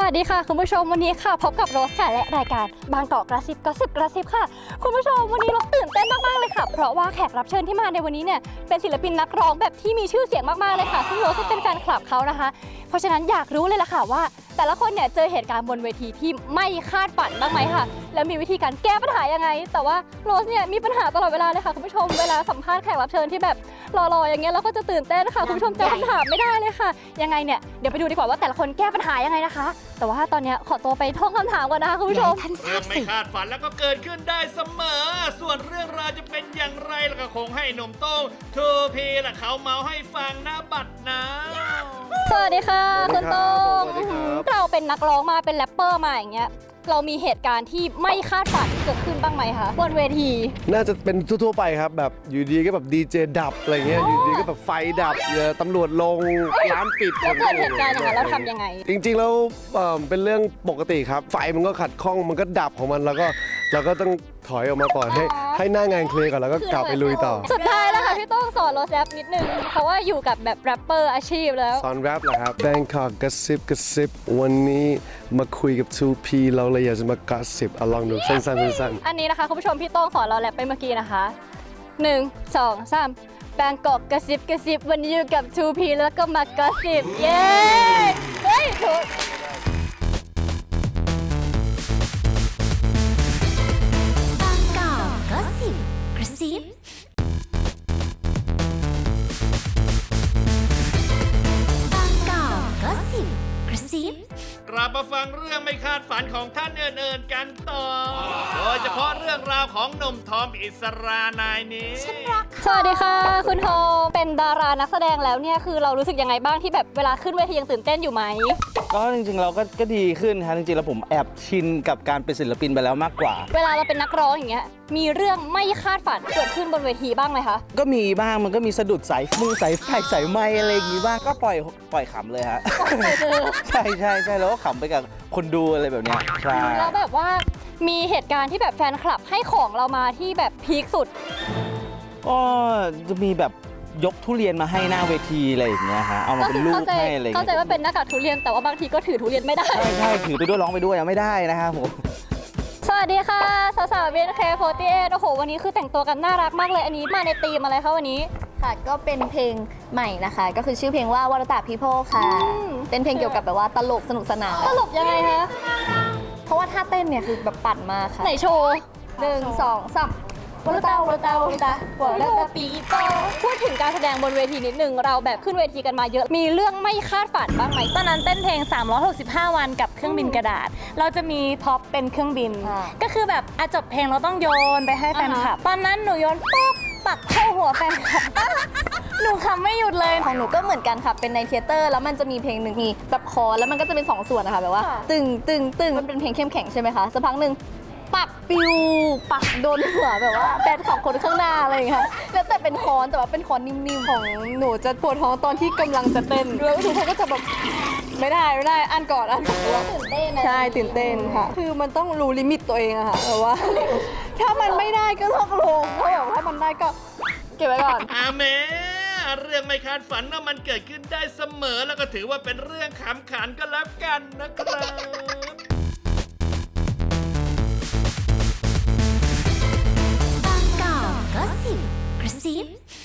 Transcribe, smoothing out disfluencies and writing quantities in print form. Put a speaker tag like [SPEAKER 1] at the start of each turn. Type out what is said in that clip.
[SPEAKER 1] วัสดีค่ะคุณผู้ชมวันนี้ค่ะพบกับโรสค่ะและรายการบางกอกกระซิบกระซิบค่ะคุณผู้ชมวันนี้โรสตื่นเต้นมากๆเลยค่ะเพราะว่าแขกรับเชิญที่มาในวันนี้เนี่ยเป็นศิลปินนักร้องแบบที่มีชื่อเสียงมากๆเลยค่ะซึ่งโรสก็เป็นแฟนคลับเขานะคะเพราะฉะนั้นอยากรู้เลยล่ะค่ะว่าแต่ละคนเนี่ยเจอเหตุการณ์บนเวทีที่ไม่คาดฝันบ้างไหมค่ะแล้วมีวิธีการแก้ปัญหายังไงแต่ว่าโรสเนี่ยมีปัญหาตลอดเวลาเลยค่ะคุณผู้ชมเวลาสัมภาษณ์แขกรับเชิญที่แบบรอๆอย่างเงี้ยเราก็จะตื่นเต้นค่ะคุณผู้ชมจำคำถามไม่ได้เลยค่ะยังไงเนี่ยเดี๋ยวไปดูดีกว่าว่าแต่ละคนแก้ปัญหายังไงนะคะแต่ว่าตอนนี้ขอตัวไปท่องคำถามก่อนนะคะคุณผู้ชม
[SPEAKER 2] เรื่องไม่คาดฝันแล้วก็เกิดขึ้นได้เสมอส่วนเรื่องราวจะเป็นอย่างไรแล้วก็คงให้หนุ่มโต้งทูพีและเขาเมาให้ฟังนะบัดนะ
[SPEAKER 1] สวัสดีค่ะคุณโต้ง
[SPEAKER 3] สวัสดีครับ
[SPEAKER 1] เราเป็นนักร้องมาเป็นแรปเปอร์มาอย่างเงี้ยเรามีเหตุการณ์ที่ไม่คาดฝันเกิดขึ้นบ้างไหมคะบนเวที
[SPEAKER 3] น่าจะเป็นทั่วๆไปครับแบบอยู่ดีก็แบบดีเจดับอะไรเงี้ยอยู่ดีก็แบบไฟดับตำรวจลงร้านปิด
[SPEAKER 1] แล้วเกิดเหตุการณ์อย่างนั้นเราทำยังไง
[SPEAKER 3] จริงๆแล้วเป็นเรื่องปกติครับไฟมันก็ขัดข้องมันก็ดับของมันแล้วก็เราก็ต้องถอยออกมาก่อนให้หน้างานเคลียร์ก่อนแล้วก็กลับไปลุยต่อ
[SPEAKER 1] สุดท้ายแล้วค่ะพี่โต้งสอนโรสแรปนิดนึงเพราะว่าอยู่กับแบบแรปเปอร์อาชีพแล้ว
[SPEAKER 3] สอนแรปเหรอครับ Bangkok กระซิบวันนี้มาคุยกับ 2P เราเลยอยากจะมากระซิบลองดูสั้นๆ
[SPEAKER 1] อันนี้นะคะคุณผู้ชมพี่โต้งสอนเราแรปไปเมื่อกี้นะคะ1 2 3แบงกอกกระซิบวันนี้อยู่กับ 2P แล้วก็มากระซิบเย้เฮ้ยถูก
[SPEAKER 4] บางกอกก็สิบกระซิบางกอกก็สิบกระซิบ
[SPEAKER 2] กลับมาฟังเรื่องไม่คาดฝันของท่านเอิญๆกันต่อ โดยเฉพาะเรื่องราวของหนุ่มทอมอิสรานายนี้
[SPEAKER 1] สวัสดีค่ะคุณโทเป็นดารานักแสดงแล้วเนี่ยคือเรารู้สึกยังไงบ้างที่แบบเวลาขึ้นเวทียังตื่นเต้นอยู่ไหม
[SPEAKER 5] ก็จริงๆเราก็ดีขึ้นครับจริงๆแล้วผมแอบชินกับการเป็นศิลปินไปแล้วมากกว่า
[SPEAKER 1] เวลาเราเป็นนักร้องอย่างเงี้ยมีเรื่องไม่คาดฝันเกิดขึ้นบนเวทีบ้างไหมคะ
[SPEAKER 5] ก็มีบ้างมันก็มีสะดุดสายมือสายไฟสายไม้อะไรอย่างงี้บ้างก็ปล่อยขำเลยฮะ ใช่แล้วก็ขำไปกับคนดูอะไรแบบเนี้ยใช่
[SPEAKER 1] แล้วแบบว่ามีเหตุการณ์ที่แบบแฟนคลับให้ของเรามาที่แบบพีคสุด
[SPEAKER 5] ก็จะมีแบบยกทุเรียนมาให้หน้าเวทีอะไรอย่างเงี้ยฮะเอามาเป็นรูปให้อะไรอย่าง
[SPEAKER 1] เข้าใจ
[SPEAKER 5] เงี้ย
[SPEAKER 1] ว่าเป็นหน้ากากทุเรียนแต่ว่าบางทีก็ถือทุเรียนไม่ได้
[SPEAKER 5] ใช่ถือไปด้วยร้องไปด้วยยังไม่ได้นะครับผม
[SPEAKER 1] สวัสดีค่ะสาวๆ BNK48 โอ้โหวันนี้คือแต่งตัวกันน่ารักมากเลยอันนี้มาในธีมอะไรคะวันนี้
[SPEAKER 6] ค่ะก็เป็นเพลงใหม่นะคะ ก็คือชื่อเพลงว่าวรตาพีโพค่ะ เป็นเพลงเกี่ยวกับแบบว่าตลกสนุกสนาน
[SPEAKER 1] ตลกยังไงคะ
[SPEAKER 6] เพราะว่าท่าเต้นเนี่ยคือแบบปั่นมากค่ะ
[SPEAKER 1] ไหนโชว์
[SPEAKER 6] 1 2 3วรตาวรตาวรตาวรตาปีโพ
[SPEAKER 1] พูดถึงการแสดงบนเวทีนิดนึงเราแบบขึ้นเวทีกันมาเยอะมีเรื่องไม่คาดฝันบ้างไหม
[SPEAKER 7] ตอนนั้นเต้นเพลง 365 วันกับเครื่องบินกระดาษ เราจะมีพ็อปเป็นเครื่องบิน ก็คือแบบจบเพลงเราต้องโยนไปให้แฟนคลับ ตอนนั้นหนูโยนปุ๊บปักเข้าหัวแฟนคลับ หนูขำไม่หยุดเลย
[SPEAKER 6] ของหนูก็เหมือนกันค่ะ เป็นในเทเตอร์แล้วมันจะมีเพลงหนึ่งมีแบบคอร์แล้วมันก็จะเป็น2ส่วนนะคะแบบว่า ตึงมันเป็นเพลงเข้มแข็งใช่ไหมคะสักพักหนึ่งปักปิวปักโดนหัวแบบว่าแฟนของคนข้างหน้าอะไรอย่างเงี้ยแล้วแต่เป็นคอนแต่ว่าเป็นคอนนิ่มๆของหนูจะปวดท้องตอนที่กำลังจะเต้นแล้วทุกคนก็จะแบบไม่ได้อันก่อนตื่นเต้นใช่ตื่นเต้นค่ะ คือมันต้องรู้ลิมิตตัวเองอะค่ะแบบว่า ถ้ามันไม่ได้ก็ต้องลงถ้าแบบถ้ามันได้ก็เก็บไว้ก่อน
[SPEAKER 2] อาเมเรื่องไม่คาดฝันว่ามันเกิดขึ้นได้เสมอแล้วก็ถือว่าเป็นเรื่องขำขันก็แล้วกันนะครับ
[SPEAKER 4] บางกอกก็สิบกระซิบ